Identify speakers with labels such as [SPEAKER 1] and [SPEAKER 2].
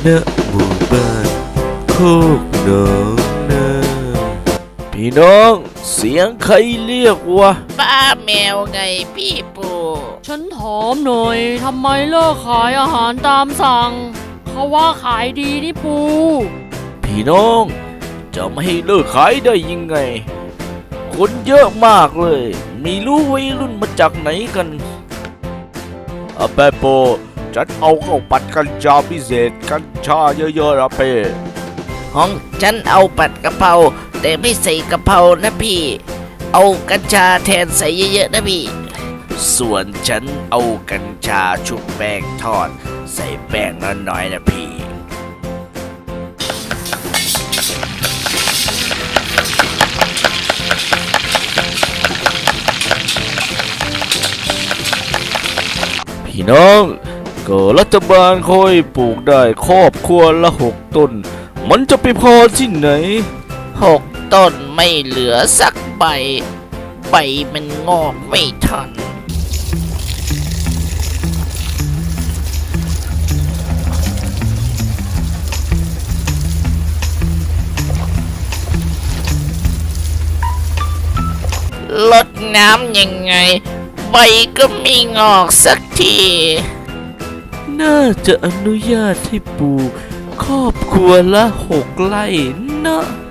[SPEAKER 1] หมู่บ้านโคกหนองนาพี่น้องเสียงใครเรียกวะ
[SPEAKER 2] ป้าแมวไงพี่ปู่
[SPEAKER 3] ฉันถามหน่อยทำไมเลิกขายอาหารตามสั่งเขาว่าขายดีนี่ปู
[SPEAKER 1] พี่น้องจะไม่ให้เลิกขายได้ยังไงคนเยอะมากเลยไม่รู้วัยรุ่นมาจากไหนกันอาเปโปฉันเอาข้าวผัดกัญชาพิเศษกัญชาเยอะๆนะเป้
[SPEAKER 2] ห้องฉันเอาผัดกะเพราแต่ไม่ใส่กะเพรานะพี่เอากัญชาแทนใส่เยอะๆนะพี่
[SPEAKER 1] ส่วนฉันเอากัญชาชุบแป้งทอดใส่แป้งน้อยๆนะพี่พี่น้องก็รัฐบาลค่อยปลูกได้ครอบครัวละ6 ต้นมันจะไปพอที่ไหน
[SPEAKER 2] 6 ต้นไม่เหลือสักใบมันงอกไม่ทันลดน้ำยังไงใบก็ไม่งอกสักที
[SPEAKER 1] น่าจะอนุญาตให้ปลูกครอบครัวละ6 ไร่นะ